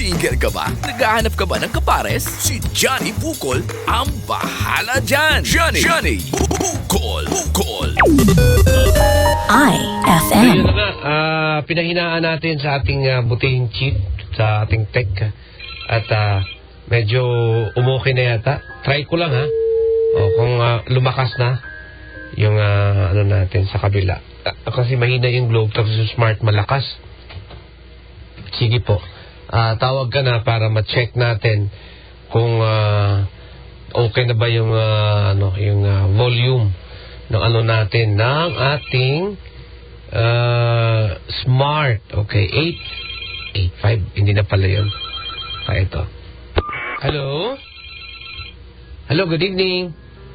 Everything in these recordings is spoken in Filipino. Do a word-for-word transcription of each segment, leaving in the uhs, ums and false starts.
Single ka ba? Naghahanap ka ba ng kapares? Si Johnny Bukol ang bahala dyan! Johnny! Johnny! Bukol! Bukol! I F So, yun M. na nga, ah, pinahinaan natin sa ating uh, butihing chip, sa ating tech, at ah, medyo umuki na yata. Try ko lang ha, o, kung ah, lumakas na yung ah, ano natin sa kabila. Ah, kasi mahina yung globe, tapos yung smart malakas. Sige po, ah, tawag ka na para ma-check natin kung ah, okay na ba yung, ah, ano, yung ah, volume ng ano natin, ng ating Uh, smart. Okay, eight eight five. Hindi na pala yun. Ah, ito. Hello? Hello, good evening.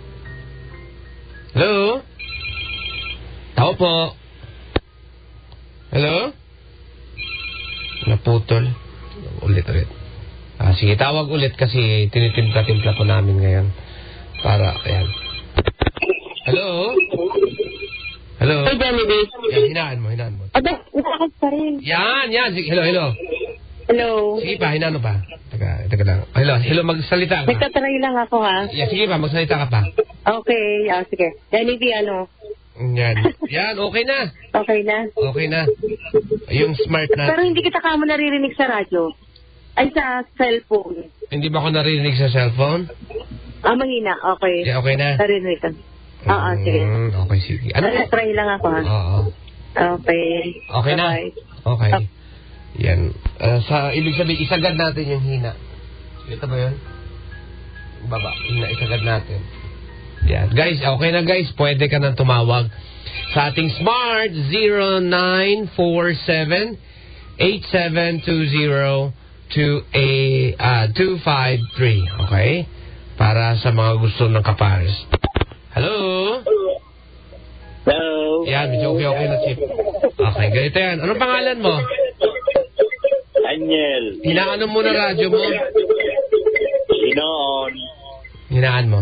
Hello? Tao po. Hello? Naputol. Ulit, ulit. Ah, sige, tawag ulit kasi tinitimpla-timpla po namin ngayon. Para, ayan. Hello? Hello? Hey, Johnny B. Yan, hinaan mo, hinaan mo. Aba, nakakas pa rin. Yan, yan. Sige, hello, hello. Hello. Sige pa, hinaan mo pa. Teka, teka lang. Hello, hello, magsalita ka. Nagtatry lang ako, ha? Yan, sige pa, magsalita ka pa. Okay, ah, sige. Johnny B, ano? Yan. Yan, okay na. Okay na? Okay na. Yung smart na. Pero hindi kita kamo naririnig sa radyo. Ay, sa cellphone. Hindi ba ako narinig sa cellphone? Ah, mahina. Okay. Yeah, okay na. Narinig ka. Oo, sige. Mm, okay, sige. Ano? Try lang ako, ha? Oo. Okay. Okay na. Bye-bye. Okay. Oh. Yan. Uh, sa ibig sabihin, isagad natin yung hina. Ito ba yun? Baba. Hina, isagad natin. Yan. Guys, okay na guys. Pwede ka nang tumawag sa ating smart zero nine four seven eight seven two zero two five three. Okay? Para sa mga gusto ng kapares. Hello? Hello. Yan, medyo okay-okay na chip. Okay, ganito yan. Anong pangalan mo? Daniel. Hinaan mo na radyo mo. Sinoon. Hinaan mo.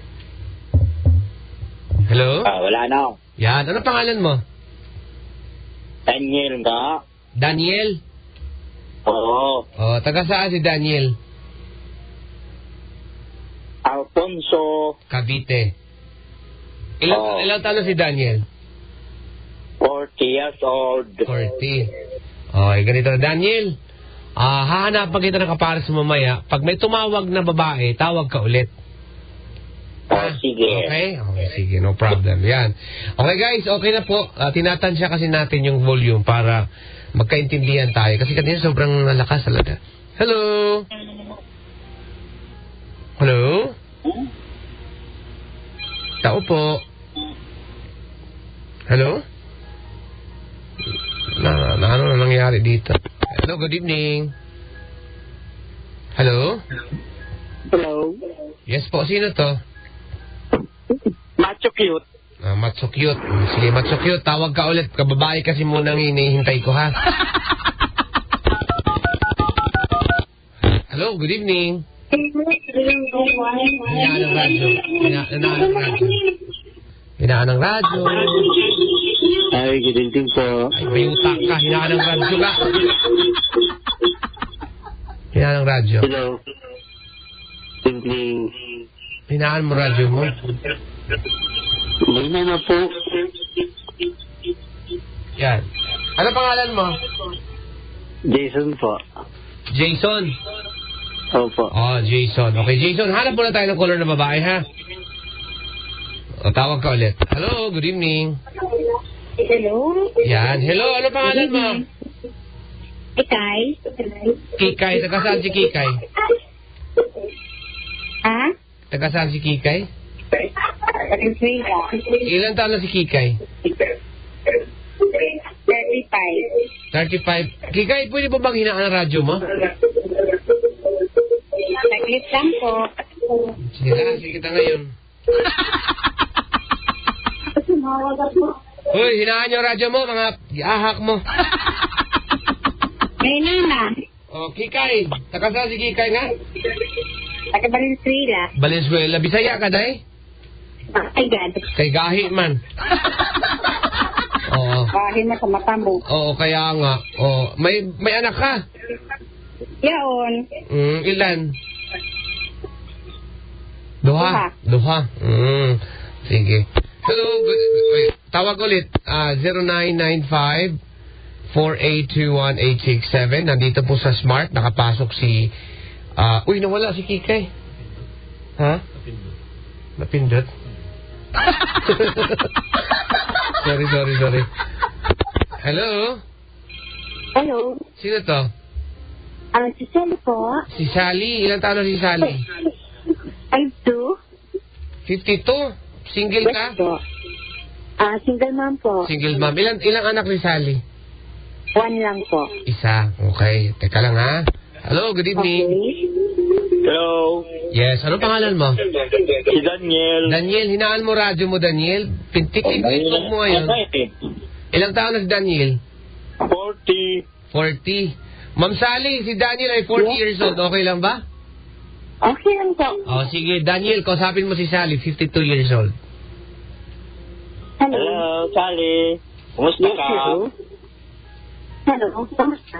Hello? Ah, wala na. Yan, anong pangalan mo? Daniel nga. Daniel? Oo. Oh, taga saan si Daniel? Alfonso. Cavite. Ilang, Oh. ilang taon na si Daniel? forty years old. forty. Okay, ganito. Daniel, ah hahanapan kita ng kapares mamaya. Pag may tumawag na babae, tawag ka ulit. Oh, sige. Okay? Okay, sige. No problem. Yan. Okay guys, okay na po. Uh, tinatansya kasi natin yung volume para magkaintindihan tayo. Kasi kanina sobrang lakas talaga. Hello? Hello? Tao po. Hello? Na, na ano na nangyari dito? Hello, good evening. Hello? Hello. Yes po, sino to? Macho cute. Ah, Matso cute. Sige, Matso cute. Tawag ka ulit. Kababae kasi muna ang hinihintay ko, ha? Hello, good evening. Hinaan ng radyo. Hina- Hinaan ng radyo. Hinaan ng radyo. Ay, good evening po. Ay, may utak ka. Hinaan ng radyo ka. Hinaan ng radyo. Hello. Good evening. Hinaan mo radyo mo. May na po. Yan. Ano pangalan mo? Jason po. Jason. Opo. Oh, Jason. Okay, Jason. Hanap muna tayo ng color na babae, ha? O, tawag ka ulit. Hello, good evening. Hello? Yan. Hello, ano pangalan mo? Ikay? Kikay. Taga saan si Kikay? Ha? Taga saan si Kikay? Venezuela. Ilan taon na si Kikay? thirty-five. thirty-five. Kikay, pwede ba bang hinaan ang radyo mo? Saglit lang po. Sige na, sige kita ngayon. Uy, hinaan yung radyo mo, mga ahak mo. May nana. O, Kikay. Taga saan si Kikay nga? Taga Valenzuela. Valenzuela. Bisaya ka, day? Ay, God. Kay gahi man. Oo. Bahin na sa mata mo. Oo, kaya nga. Oo. May, may anak ka? Yaon. Mm, ilan? Duha. Duha. Mm, sige. Hello, good, wait, tawag ulit. Uh, zero nine nine five, four eight two one, eight six seven. Nandito po sa Smart. Nakapasok si... Uh, uy, nawala si Kikay. Ha? Napindot. sorry, sorry, sorry. Hello? Hello. Sino to? Ang si Sally po. Si Sally. Ilang taon na si Sally? I'm two. fifty-two. Single ka? Yes po. Ah, single mom po. Single mom. Ilang, ilang anak ni Sally? One lang po. Isa. Okay. Teka lang ha. Hello, good evening. Okay. Hello. Yes, ano pangalan mo? Si Daniel. Daniel, hinaan mo radyo mo, Daniel. Pintik, itlog mo ngayon. Ilang taon na si Daniel? forty. forty. Ma'am Sally, si Daniel ay forty years old. Okay lang ba? Okay lang po. O, sige. Daniel, kausapin mo si Sally, fifty-two years old. Hello. Hello, Sally. Kumusta Yes, ka? hello. Hello. Kamusta?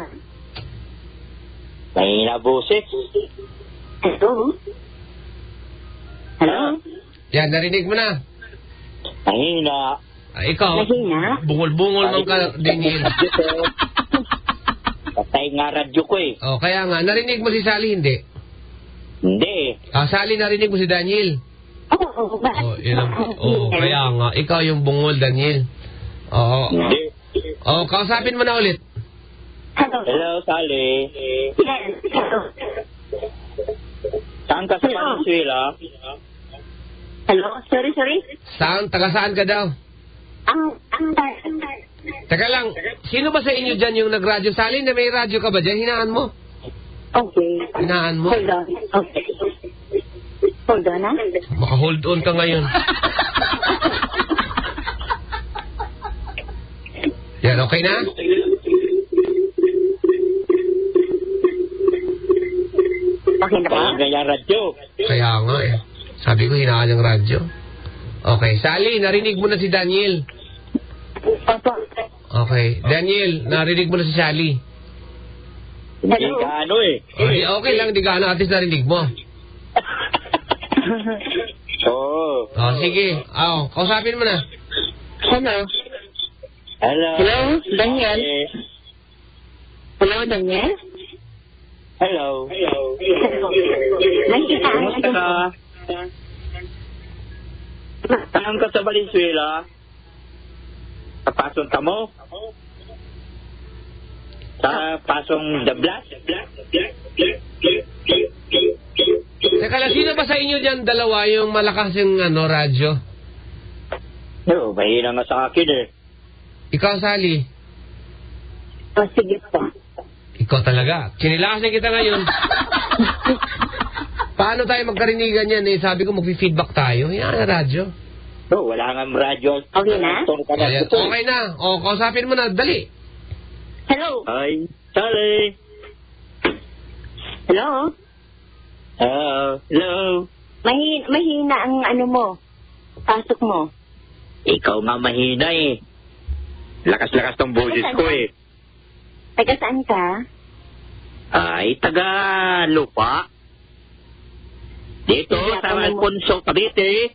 Mahina boses. Hello. Hello. Yan, narinig mo na. Mahina. Ah, ikaw, Mahina? bungol-bungol man ka, Daniel. Patay nga radyo ko eh. O, kaya nga, narinig mo si Sally, hindi? Hindi. Ah, Sally, narinig mo si Daniel? Oo, oo. Oh, yun ang, oh, kaya nga, ikaw yung bungol, Daniel. Oo. Hindi. Oh, kausapin mo na ulit. Hello. Hello, Sally. Yes. Hello. Saan ka sa Venezuela? Hello. Sorry, sorry. Saan? Taga saan ka daw? Ang, ang, ang, Teka lang, sino ba sa inyo dyan yung nagradyo? Sally, na may radyo ka ba dyan? Hinaan mo. okay. Hinaan mo. Hold on. Okay. Hold on, ah. Baka hold on ka ngayon. Yan, okay na? Okay na ba? Mahina yung radyo. Kaya nga eh. Sabi ko, hinaan yung radyo. Okay, Sally, narinig mo na si Daniel. Opo. Okay, Daniel, narinig mo na si Sally. Hindi Hello. ka ano eh. O, di, okay lang, di ka ano, at least narinig mo. Oo. O, sige. O, kausapin mo na. Hello. Hello. Hello, Daniel. Eh, Hello, Daniel. Hello. Hello. Nakikita ang Kumusta ka? Saan ka sa Valenzuela? Sa pasong tamo? Sa pasong Dablas? Teka lang, sino ba sa inyo dyan dalawa yung malakas yung ano, radyo? Oo, mahina nga sa akin eh. Ikaw, Sally. Oh, sige po. Ikaw talaga. Sinilakasin kita ngayon. Paano tayo magkarinigan yan eh? Sabi ko mag-feedback tayo. Yan na radyo. Oo, wala nga radyo. Okay na? Ayan, okay na. O, kausapin mo na. Dali. Hello. Hi, Sally. Hello. Hello. Hello. Mahina, mahina ang ano mo. Pasok mo. Ikaw nga mahina eh. Lakas-lakas tong boses ko eh. Taga saan ka? Ay, taga lupa. Dito, Sige, sa ako mo- Alfonso, Cavite.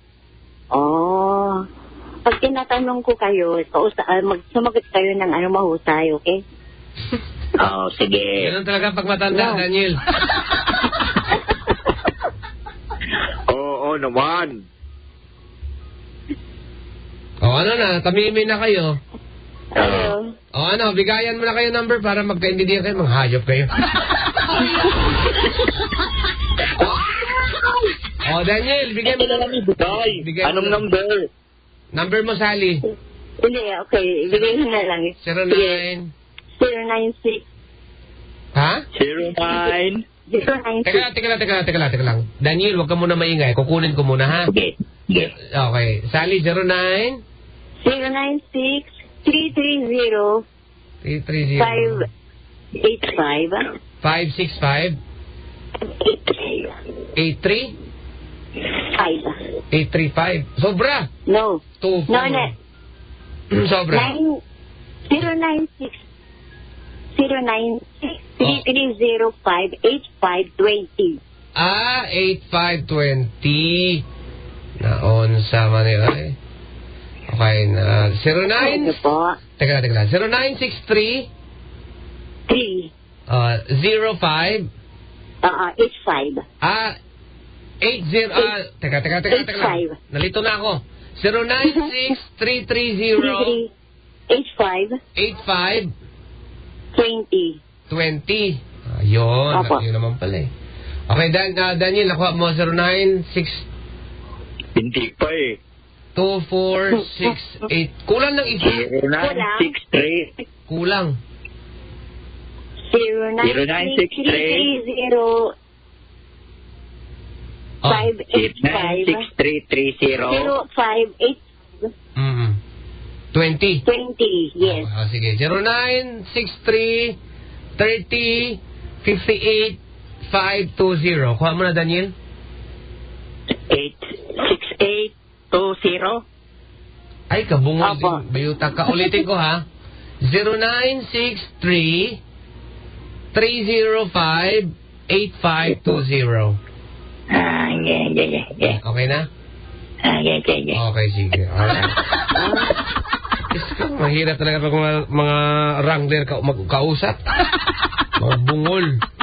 Oh. Pag tinatanong ko kayo, pausa, uh, mag, sumagot kayo ng ano mahusay, okay? Oo, oh, sige. Ganun talaga pag matanda, No. Daniel. Oo, naman. O, ano na, tamimin na kayo. Hello. O, ano, bigayan mo na kayo number para magkaintindihan kayo. Manghayop kayo. O, Daniel, bigyan mo na lang. Day, Bigay mo anong na- number? Number mo, Sally. Hindi, okay. Ibigay mo na lang. zero nine. zero nine six. Ha? zero nine. zero nine Teka six. lang, teka lang, teka lang, teka lang, teka lang. Daniel, huwag ka muna maingay. Kukunin ko muna, ha? Okay. Yes. Okay. Sally, zero nine. zero nine six three three zero three three zero. five eight five. five six five. eight three. Five. eight three five. Sobra. No. two No, no. Sobra. Nine zero nine six zero nine six three three zero five eight five two zero. Ah, eight five two zero. Naon sa Manila eh. Okay, na zero nine... Ano po? Teka lang, teka lang. zero nine six three three. uh, zero five Uh, eight five. Ah, eight zero... Ah, teka, teka, teka, teka lang. Nalito na ako. zero nine six three three zero eight five eight five twenty. twenty. Ayun, Opo. yun naman pala eh. Okay, Dan, uh, Daniel, nakuha mo zero nine six Hindi pa eh. two four six eight. Kulang ng isa. zero nine six three Kulang. Zero nine six three zero Oh. five eight nine five six three three zero zero five eight Mm-hmm. twenty. twenty. Yes. Oh, sige. zero nine six three thirty fifty-eight five two zero. Kuha mo na, Daniel. eight six eight two zero Ay, kabungol Opo. din. Bayuta ka. Ulitin ko, ha. zero nine six three three zero five eight five two zero. Ah, yeah, yeah, yeah, yeah. Okay na? Ah, yeah, yeah, yeah. Okay, sige. Alright. Diyos ko, mahirap talaga pag mga, mga wrangler ka, magkausap. Mga bungol.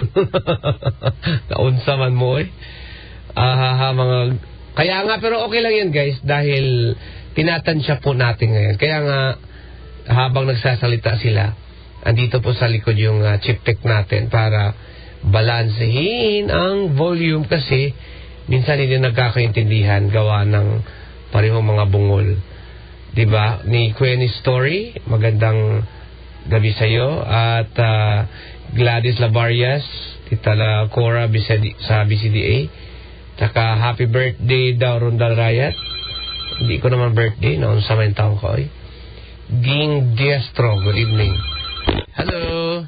Kaunsa man mo eh. Ah, mga... Kaya nga, pero okay lang yan guys, dahil tinatansya po natin ngayon. Kaya nga, habang nagsasalita sila, andito po sa likod yung uh, chip tech natin para balansehin ang volume kasi minsan hindi nagkakaintindihan gawa ng parehong mga bungol. Diba? Ni Quenny Story, magandang gabi sa'yo. At uh, Gladys Labarias, Tita La Cora Bisedi, sa B C D A. Tsaka happy birthday daw Rondal Rayat. Hindi ko naman birthday, noon sa may taong ko eh. Ging Diastro, good evening. Hello.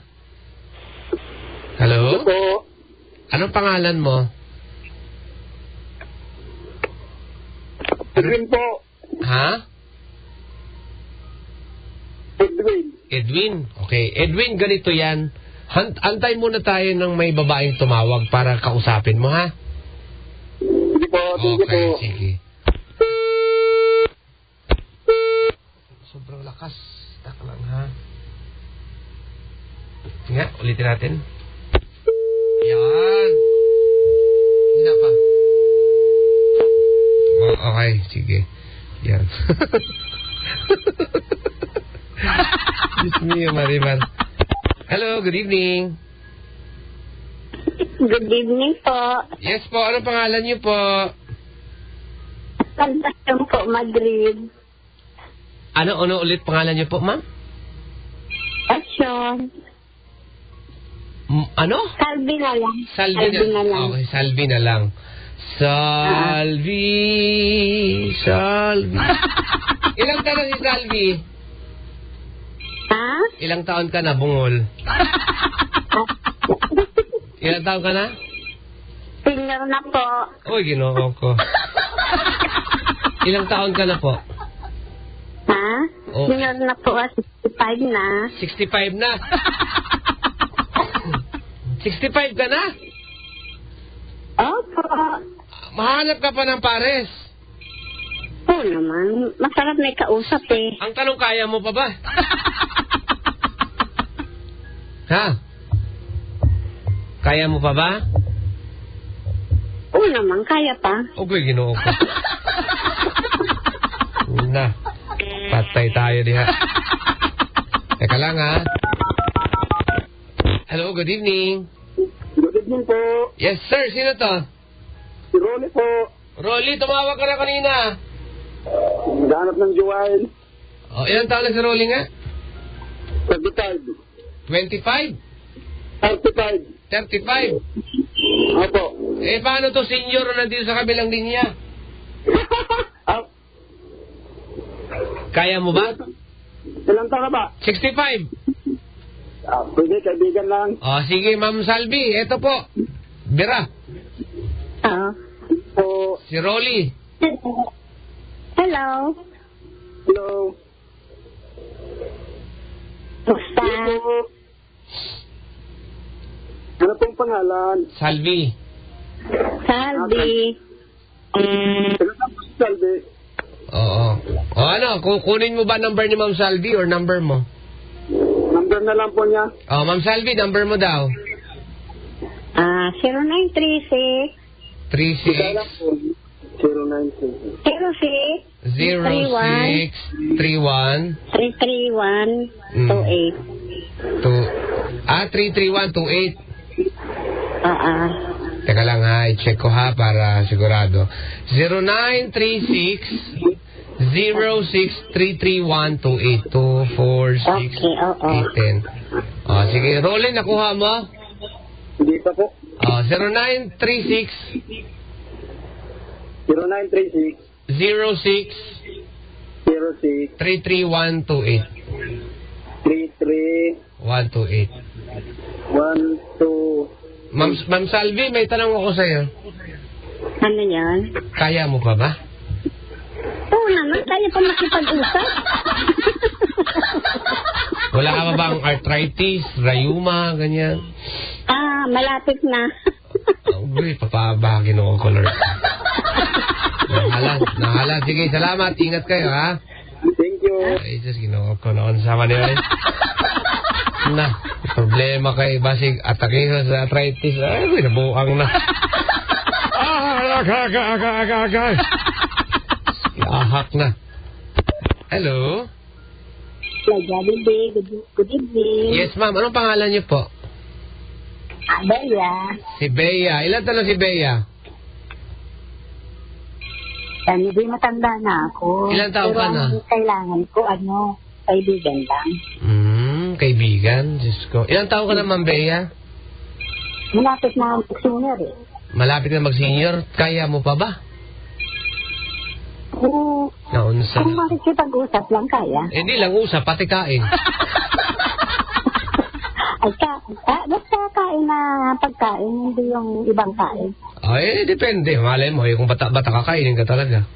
Hello? Po. Anong pangalan mo? Edwin po. Ha? Edwin. Edwin. Okay. Edwin, ganito yan. Han- antay muna tayo ng may babaeng tumawag para kausapin mo, ha? Sige po, Okay, sige. Sobrang lakas. Tak lang, ha? Nga, ulitin natin. Yan. Hina pa. Oh, okay, sige. Yan. Diyos niyo, Marimar. Hello, good evening. Good evening po. Yes po, ano pangalan niyo po? Concepcion po, Madrid. Ano, ano ulit pangalan niyo po, ma'am? Action. M- ano? Salvi na lang. Salvi na, na lang. Okay, Salvi na lang. Salvi, Salvi. Ilang taon na si Salvi? Ha? Ilang taon ka na, bungol? Ilang taon ka na? Senior na po. Uy, ginoo ko. Ilang taon ka na po? Ha? Oh. Senior na po. sixty-five na. sixty-five na. sixty-five ka na? Opo. Mahanap ka pa ng pares. Oo naman. Masarap may kausap eh. Ang tanong, kaya mo pa ba? Ha? Kaya mo pa ba? Oo naman. Kaya pa. Okay, ginoo ko. Na. Patay tayo diha. Teka lang, ha? Hello, good evening. Good evening po. Yes, sir. Sino to? Si Ronnie po. Rolly, tumawag ka na kanina. Naghanap ng Joel. O, ilang taon na si Rolly nga? thirty-five. twenty-five? thirty-five. thirty-five? Opo. Eh, paano to senior na nandito sa kabilang linya? Ah, Kaya mo ba? ilang taon ka ba? sixty-five? Ah, pwede, kaibigan lang. O, sige, Ma'am Salvi. Ito po. Bira. Oo. Po. Si Rolly. Hello. Hello. Basta. Ano pong pangalan? Salvi. Salvi. Ano na po si Salve? Oo. O ano, kukunin mo ba number ni Ma'am Salvi or number mo? Number na lang po niya. Oh, Ma'am Salvi, number mo daw. Ah, zero nine three six. three Ika lang six po. zero nine six. Zero six. zero six three one Three three one two eight. two Ah, three three one two eight. Ah, ah. Teka lang ha, i-check ko ha para sigurado. zero nine three six zero six three three one two eight two four six Okay, oo. eight ten. Oh, sige, Rolin, nakuha mo? Hindi pa po. Oh, zero nine three six zero nine three six zero six zero six three three one two eight three three one two eight. one two. Ma'am, Ma'am Salvi, may tanong ako sa'yo. Ano yan? Kaya mo pa ba? Oo naman, tayo pa makipag-usap. Wala ka ba bang arthritis, rayuma, ganyan? Ah, malapit na. Uy, papabagin ako color. Nahalan, nahalan. Sige, salamat. Ingat kayo, ha? Thank you. Ay, just ginawa ko noon sa kanila. Na, problema kay Basig atake sa arthritis. Ay, uy, nabuang na. Ah, aga, aga, aga, aga, aga. Ahak na. Hello? Good, good evening. Yes, ma'am. Anong pangalan niyo po? Abaya. Si Bea. Ilan taon na si Bea? Yan, hindi matanda na ako. Ilang taon Pero ka na? ang kailangan ko, ano, kaibigan lang. Hmm, kaibigan. Diyos ko. Ilang taon ka na, Ma'am Bea? Malapit na ang senior eh. Malapit na mag-senior. Kaya mo pa ba? Oo. Naunsa. Kung makikipag-usap lang kaya. Eh, hindi lang usap, pati kain. Ay, ka, ah, basta kain na pagkain, hindi yung ibang kain. Ay, depende. Malay mo, eh, kung bata-bata kakainin ka talaga.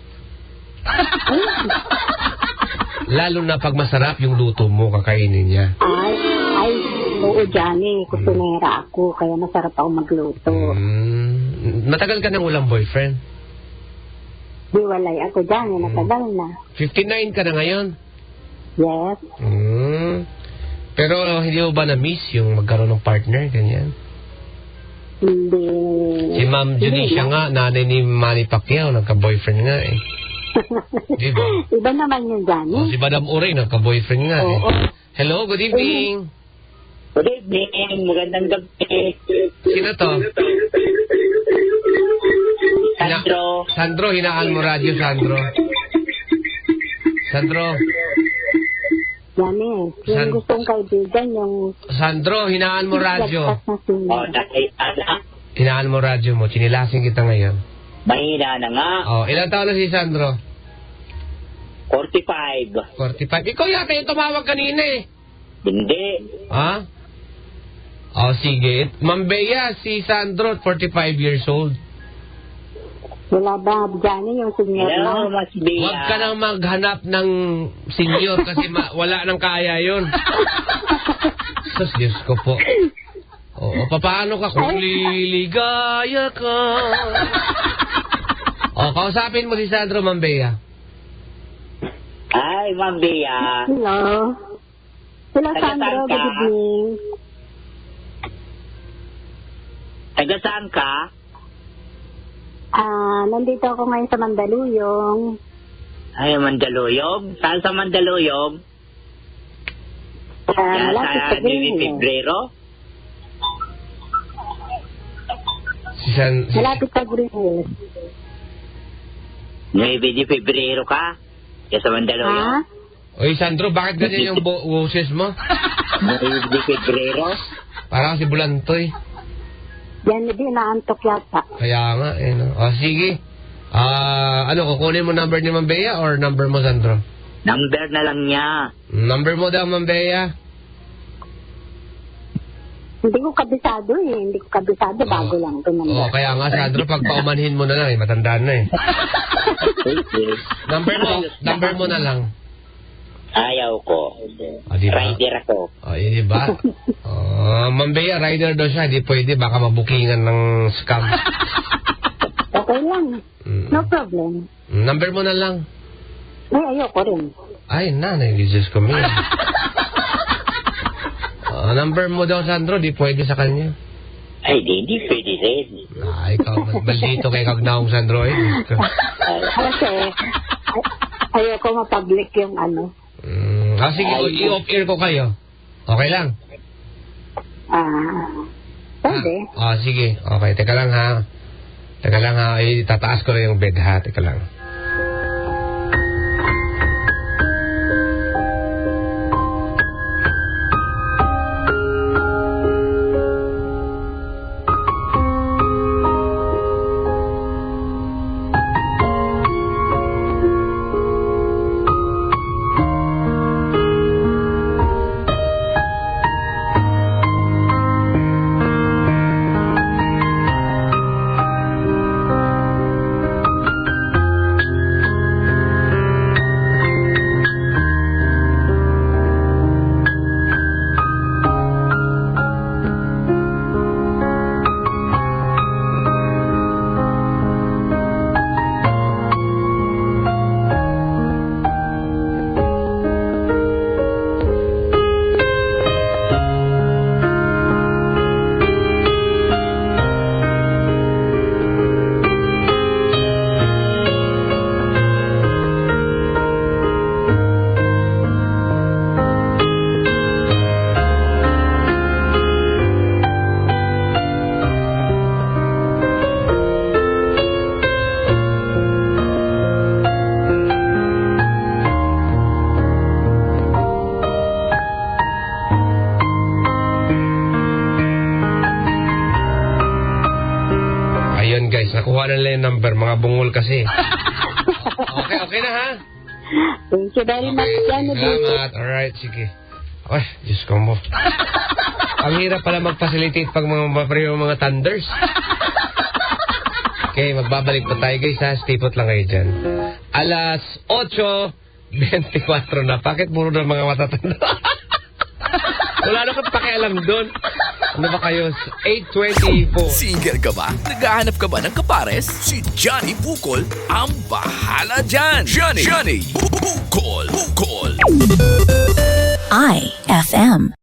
Lalo na pag masarap yung luto mo, kakainin niya. Ay, ay, oo, Johnny, kusinera ako, kaya masarap ako magluto. Hmm, matagal ka nang walang boyfriend? Di walay ako, Johnny, natagal na. fifty-nine ka na ngayon? Yes. Hmm. Pero hindi mo ba na-miss yung magkaroon ng partner, ganyan? Hindi. Si Ma'am Junicia nga, nanay ni Manny Pacquiao, nagka-boyfriend nga eh. Di ba? Iba naman yun, Johnny. O, si Madam Uray, nagka-boyfriend nga eh. Oo. Hello, good evening. Good evening. Magandang gabi. Sino to? Sandro. Sandro, hinaan mo radyo, Sandro. Sandro. Johnny, yung San- gustong kaibigan, yung... Sandro, hinaan mo radyo. Lagpas na senior. Oh, dahil ana. Hinaan mo radyo mo, chinilasing kita ngayon. Mahina na nga. Oh, ilang taon na si Sandro? forty-five. forty-five. Ikaw yata yung tumawag kanina eh. Hindi. Ha? Oh, sige. Ma'am Bea, si Sandro, forty-five years old. Wala ba, Johnny, yung senior Hello, na? Mas Bea. Huwag ka nang maghanap ng senior kasi ma- wala nang kaya yun. Sus, Diyos ko po. Oo, papaano ka kung liligaya ka? O, kausapin mo si Sandro, Ma'am Bea. Ay, Ma'am Bea. Hello. Hello, Taga Sandro, saan ka? good evening. Taga saan ka? Ah, nandito ako ngayon sa Mandaluyong. Ay, Mandaluyong. Saan sa Mandaluyong? Ah, Yan malapit sa sa Nini Green Hills. Pebrero? Si San... Si, Malapit sa Green Hills. Nueve de Pebrero ka? Yan sa Ha? Mandaluyong? Oy, Sandro, bakit ganyan yung bo- boses mo? Nueve de Pebrero? Parang si Bulantoy. Yan, hindi naantok yata. Kaya nga, eh, no? O, sige. Ah, ano, kukunin mo number ni Ma'am Bea or number mo, Sandro? Number na lang niya. Number mo daw, Ma'am Bea. Hindi ko kabisado eh. Hindi ko kabisado. Bago lang ito Oo, number. kaya nga, Sandro, pag paumanhin mo na lang, eh, matandaan na eh. Okay. Number mo, number mo na lang. Ayaw ko. O, di ba? Rider ako. O, yun, di ba? Oh, Ma'am Bea, rider daw siya. Di pwede. Baka mabukingan ng scam. Okay lang. Mm. No problem. Number mo na lang. Ay, ayoko rin. Ay, nanay, Jesus ko, man. Oh, number mo daw, Sandro. Di pwede sa kanya. Ay, di, di pwede rin. Ah, ikaw, mas baldito kay Kagnaong Sandro, eh. Kasi, ay, ayoko mapublic yung ano. Mm, ah, sige, i-off-air ko kayo. Okay lang? Ah, pwede. Ah, ah, sige. Okay, teka lang ha. Teka lang ha. Ay, tataas ko lang yung bed ha. Teka lang. Ayun guys, nakuha na nila yung number. Mga bungol kasi. Okay, okay na ha? Thank you very much, Okay, Johnny. salamat. Alright, sige. Ay, Diyos ko mo. Ang hirap pala mag-facilitate pag mga mapapareho mga thunders. Okay, magbabalik pa tayo guys ha. Stipot lang kayo dyan. Alas eight twenty-four na. Bakit puro na mga matatanda? Wala na kang pakialam doon. Ano ba kayo? eight twenty-four. Single ka ba? Naghahanap ka ba ng kapares? Si Johnny Bukol ang bahala dyan. Johnny, Johnny Bukol, Bukol. I F M.